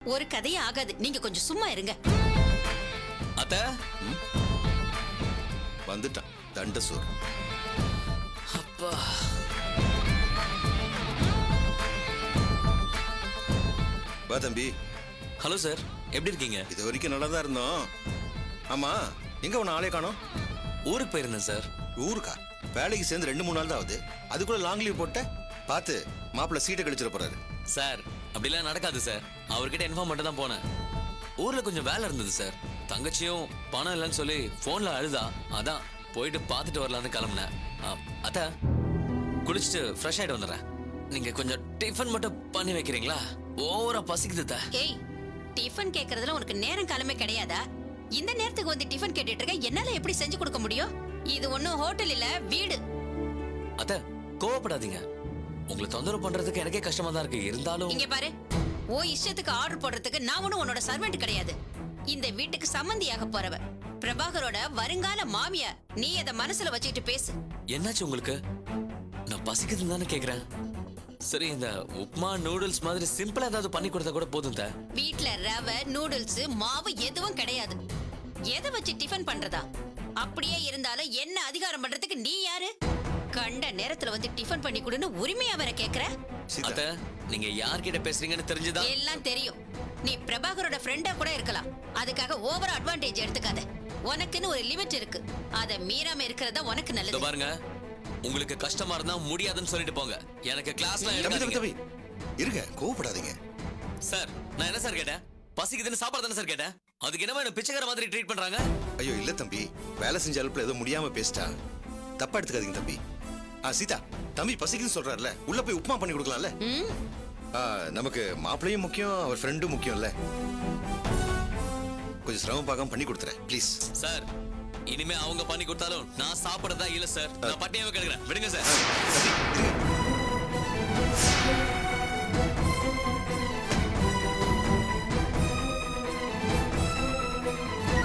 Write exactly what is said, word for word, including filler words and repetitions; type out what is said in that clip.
ஒரு கதையே ஆகாது. நீங்க கொஞ்சம் சும்மா இருங்க. அத்த வந்துட்டான் தண்ட சோறு. அப்பா வா தம்பி. ஹலோ சார், எப்படி இருக்கீங்க? இது வரைக்கும் நல்லா தான் இருந்தோம். ஆமா, எங்க உன்னை ஆளே காணோம்? ஊருக்கு போயிருந்தேன் சார். ஊருக்கா? வேலைக்கு சேர்ந்து ரெண்டு மூணு நாள் தான் ஆகுது, அதுக்குள்ள லாங் லீவ் போட்ட? பார்த்து மாப்பிள்ள சீட்டை கழிச்சிட போறாரு. சார் அப்படிலாம் நடக்காது சார். அவர்கிட்ட இன்ஃபார்ம் மட்டும் தான் போனேன். ஊர்ல கொஞ்சம் வேலை இருந்தது சார். தங்கச்சியும் பணம் இல்லைன்னு சொல்லி போன்ல அழுதா, அதான் போயிட்டு பார்த்துட்டு வரலான்னு கிளம்புனேன். அத்த குளிச்சுட்டு ஃப்ரெஷ் ஆயிட்டு வந்துடுறேன். நீங்க கொஞ்சம் டிஃபன் மட்டும் பண்ணி வைக்கிறீங்களா? ஓவரா பசிக்குது. ஏய், டிஃபன் கேக்குறதுல உனக்கு நேரம் காலமே கிடையாதா? இந்த நேரத்துக்கு வந்து டிஃபன் கேட்டுட்டு இருக்க, என்னால எப்படி செஞ்சு கொடுக்க முடியும்? இது ஒண்ணும் ஹோட்டல் இல்ல, வீடு. அத்த கோவப்படாதீங்க. உங்களை தொந்தரவு பண்றதுக்கு எனக்கே கஷ்டமா தான் இருக்கு. இருந்தாலும் இங்க பாரு, ஓ இஷ்டத்துக்கு ஆர்டர் போடுறதுக்கு நான் ஒண்ணும் உன்னோட சர்வெண்ட் கிடையாது. இந்த வீட்டுக்கு சம்மந்தியாக போறவ, பிரபாகரோட வருங்கால மாமியார். நீ அத மனசுல வச்சுக்கிட்டு பேசு. என்னாச்சு உங்களுக்கு? நான் பசிக்குதுன்னு தானே கேக்குறேன். சரி, இந்த உப்மா நூடுல்ஸ் மாதிரி சிம்பிளா ஏதாவது பண்ணி கொடுத்தா கூட போதும். வீட்ல ரவை நூடுல்ஸ் மாவு எதுவும் கிடையாது. எதை வச்சு டிஃபன் பண்றதா? அப்படியே இருந்தாலும் என்ன அதிகாரம் பண்றதுக்கு நீ யாரு? கண்ட நேரத்துல வந்து டிஃபன் பண்ணி கொடுன்னு உரிமையா வர கேக்குற? அத்த, நீங்க யார்கிட்ட பேசுறீங்கன்னு தெரிஞ்சுதா? எல்லாம் தெரியும். நீ பிரபாகரோட ஃப்ரெண்டா கூட இருக்கலாம். அதுக்காக ஓவர் அட்வான்டேஜ் எடுத்துக்காத. உனக்குன்னு ஒரு லிமிட் இருக்கு, அத மீறாம இருக்கிறதா உனக்கு நல்லது. பாருங்க, உங்களுக்கு கஷ்டமா இருந்தா முடியாதுன்னு சொல்லிட்டு போங்க. எனக்கு கிளாஸ்ல இருங்க, கோவப்படாதீங்க சார். நான் என்ன சார் கேட்டேன்? பசிக்குதுன்னு சாப்பாடு தானே சார் கேட்டேன். அதுக்கு என்ன பிச்சைக்கார மாதிரி ட்ரீட் பண்றாங்க? ஐயோ இல்ல தம்பி, வேலை செஞ்ச அலுப்புல ஏதோ முடியாம பேசிட்டா, தப்பா எடுத்துக்காதீங்க தம்பி. ஆ சீதா, தம்பி பசிக்குன்னு சொல்றாருல, உள்ள போய் உப்புமா பண்ணி கொடுக்கலாம்ல? நமக்கு மாப்பிள்ளையும் முக்கியம், அவர் ஃப்ரெண்டும் முக்கியம்ல. கொஞ்சம் சிரமம் பார்க்காம பண்ணி கொடுத்துறேன் ப்ளீஸ். சார், இனிமே அவங்க பண்ணி கொடுத்தாலும் நான் சாப்பிடறதா இல்ல சார். நான் பட்டினியாவே கிடக்குறேன், விடுங்க சார்.